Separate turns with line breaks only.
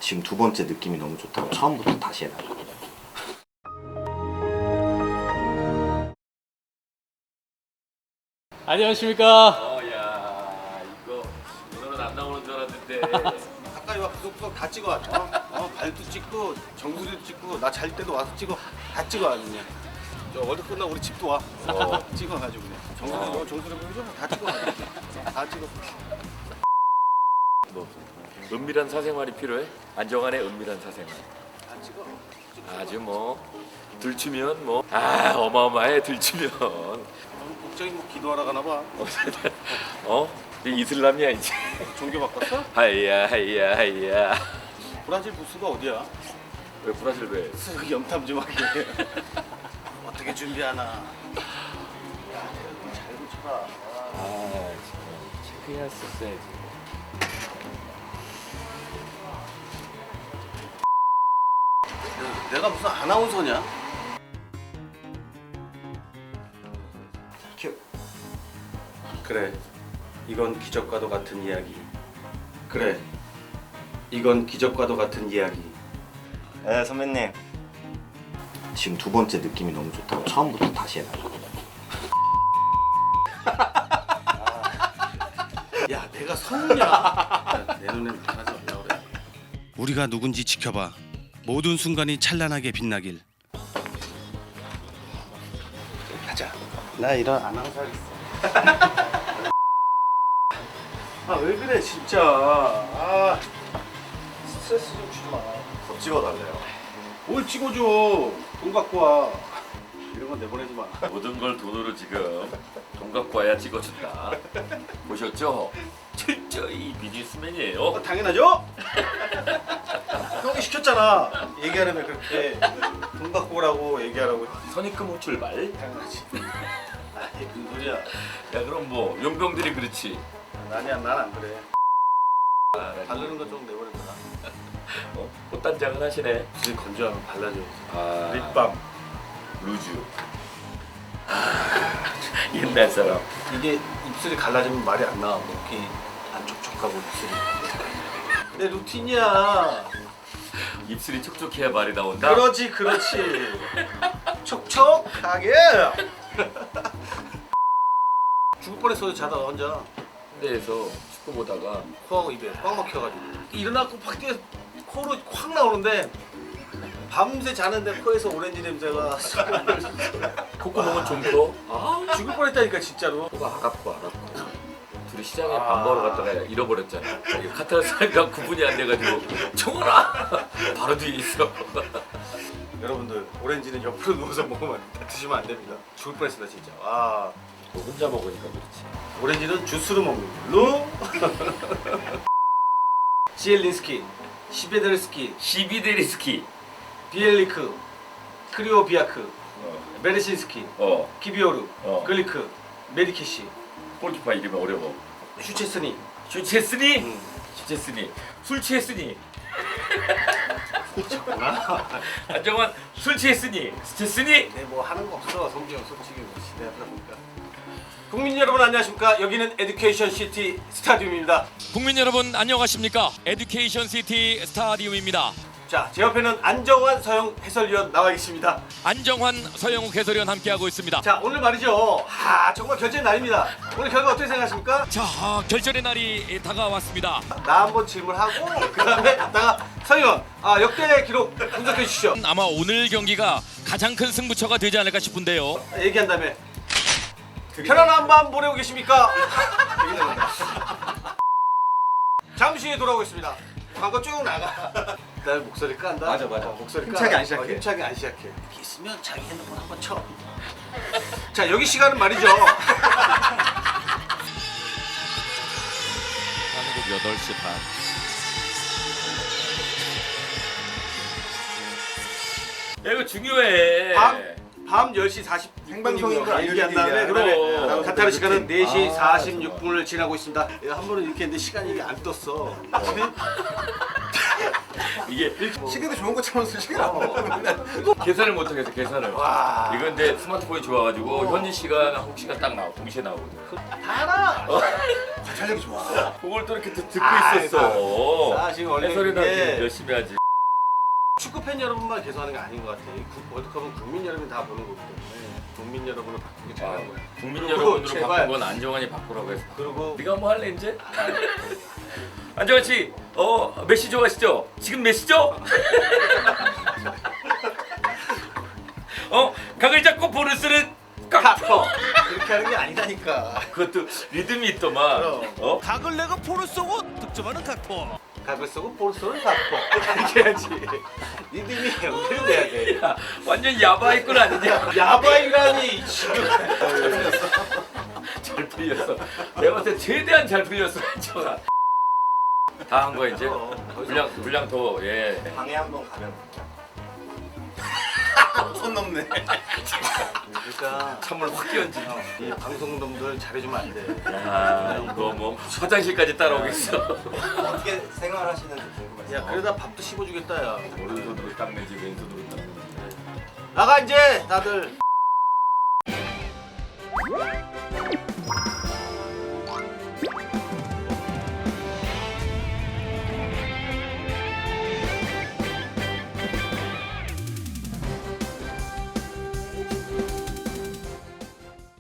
지금 두 번째 느낌이 너무 좋다고 처음부터 다시 해놔.
안녕하십니까.
야 이거 오늘은 안 나오는 줄 알았는데.
가까이 와 구석구석 다 찍어. 발도 찍고 정수리도 찍고 나 잘 때도 와서 찍어. 다 찍어 아주 그냥. 저 월드 끝나고 우리 집도 와. 찍어가지고 그냥. 정수리 보이죠? 다 찍어. 다 찍어.
뭐 은밀한 사생활이 필요해? 안정환의 은밀한 사생활.
다 찍어.
아주 뭐 들추면 뭐 어마어마해 들추면.
국장이 뭐 기도하러 가나 봐.
이제 이슬람이야 이제.
종교 바꿨어?
하이야.
브라질 부스가 어디야?
왜 브라질 왜?
쓱 염탐 좀 하게. 어떻게 준비하나. 야, 잘 붙여라.
체크해왔었어야지.
내가 무슨 아나운서냐?
큐.
그래, 이건 기적과도 같은 이야기. 그래, 이건 기적과도 같은 이야기.
네 선배님. 지금 두 번째 느낌이 너무 좋다고 처음부터 다시 해놔.
야, 내가 성우냐? 내 눈엔 하지 말라 그래.
우리가 누군지 지켜봐. 모든 순간이 찬란하게 빛나길.
가자. 나 이런 아나운서 하겠어. 아, 왜 그래 진짜. 스트레스 좀 주지 마.
더 찍어달래요.
뭘 찍어줘. 돈 갖고 와. 이런 건 내보내지 마.
모든 걸 돈으로 지금 돈 갖고 와야 찍어준다. 보셨죠? 철저히 비즈니스맨이에요.
당연하죠? 형이 시켰잖아. 얘기하려면 그렇게 돈 갖고 오라고 얘기하라고.
선입금 출발.
당연하지. 이게 무슨 소리야.
야 그럼 뭐 용병들이 그렇지.
아니야, 난 안 그래. 바르는 거 좀 내버려둬라.
꽃단장은 하시네.
입술 건조하면 발라줘야지.
아,
립밤.
루즈. 옛날 사람.
이게 입술이 갈라지면 말이 안 나와. 이렇게 안 촉촉하고 입술이. 내 루틴이야.
입술이 촉촉해야 말이 나온다.
그렇지. 촉촉하게. 죽을 뻔했어 자다가 혼자.
군대에서 축구 보다가
코하고 입에 꽉 막혀가지고 일어나고 밖 뛰어 코로 확 나오는데 밤새 자는데 코에서 오렌지 냄새가
콧구멍은 좀 커.
죽을 뻔했다니까 진짜로.
코가 아깝고 둘이 시장에 밥 먹으러 갔다가 잃어버렸잖아. 카타르사가 구분이 안 돼가지고 청원아 바로 뒤에 있어.
여러분들 오렌지는 옆으로 누워서 먹으면 드시면 안 됩니다. 죽을 뻔했습니다 진짜.
너 혼자 먹으니까 그렇지.
오렌지는 주스로 먹는 걸로. 지엘린스키, 시베데르스키,
시비데리스키.
비엘리크, 크리오비아크, 베르신스키, 키비오르, 글리크, 메디키시,
골키퍼 이름이 어려워.
슈체스니.
술 취했으니? 술 취했으니? 안정환 술 취했으니? 스체스니?
네, 뭐 하는 거 없어. 성경 솔직히 뭐 시대 하다 보니까. 국민 여러분 안녕하십니까? 여기는 에듀케이션 시티 스타디움입니다.
국민 여러분 안녕하십니까. 에듀케이션 시티 스타디움입니다.
자, 제 옆에는 안정환 서영 해설위원 나와 계십니다.
안정환 서영욱 해설위원 함께하고 있습니다.
자, 오늘 말이죠. 정말 결전의 날입니다. 오늘 결과 어떻게 생각하십니까?
자, 결전의 날이 다가왔습니다.
나 한번 질문하고 그다음에 갔다가 서영 역대 기록 분석해 주시죠.
아마 오늘 경기가 가장 큰 승부처가 되지 않을까 싶은데요.
얘기한 다음에 편안한 밤 보내고 계십니까? 잠시 후에 돌아오겠습니다. 광고 쭉 나가. 나 목소리 깐다.
맞아.
목소리
힘차게 안 시작해.
힘차게 안 시작해. 이렇게 있으면 자기 핸드폰 한번 쳐. 자, 여기 시간은 말이죠.
한국 8시 반.
야 이거 중요해.
밤 10시 40분
생방송인 걸
얘기한 다음에
알려드리기
그다음에
위한
카타르 시간은 4시
아,
46분을 지나고 있습니다. 한 번은 이렇게 했는데 시간이 이게 안 떴어.
이게
시계도 좋은 것처럼 쓸 시간 안 나는데.
계산을 못하겠어 계산을.
와.
이거 근데 스마트폰이 좋아가지고 현지 시간 한국 시간 딱 나와 동시에 나오거든.
다 알아. 관찰력이 좋아.
그걸 또 이렇게 듣고
아,
있었어.
사실 원래
해설이나
이게
열심히 하지.
축구 팬 여러분만 계속하는 게 아닌 것 같아. 이 월드컵은 국민 여러분이 다 보는 거기 때문에 국민 여러분을 바꾸기
아,
잘한 거야.
국민
그리고
여러분으로
제발.
바꾼 건 안정환이 바꾸라고 해서.
그리고
네가 뭐 할래 이제? 안정환 씨, 메시 좋아하시죠? 지금 메시죠? 각을 잡고 볼을 쓰는
카퍼 그렇게 하는 게 아니다니까.
그것도 리듬이 있더만.
그럼.
각을 내가 포를 쏘고 득점하는 각포.
각을 쓰고 볼 쏘는 카퍼 이렇게 해야지. 리듬이 연결돼야 돼.
야, 완전 야바이꾼 아니냐?
야바이라니 지금.
잘 풀렸어. 내가 봤을 때 최대한 잘 풀렸어. 안정환. 다 한 거야 이제. 분량 더 예.
방에 한번 가면 손 넘네.
그러니까
찬물 확 끼얹지.
이 방송놈들 잘해주면 안 돼.
야 이거 뭐 화장실까지 따라오겠어.
어떻게 생활하시는지 궁금해서.
야 그러다 밥도 씹어주겠다 야.
오른손으로 닦는지 왼손으로 닦는지.
나가 이제 다들.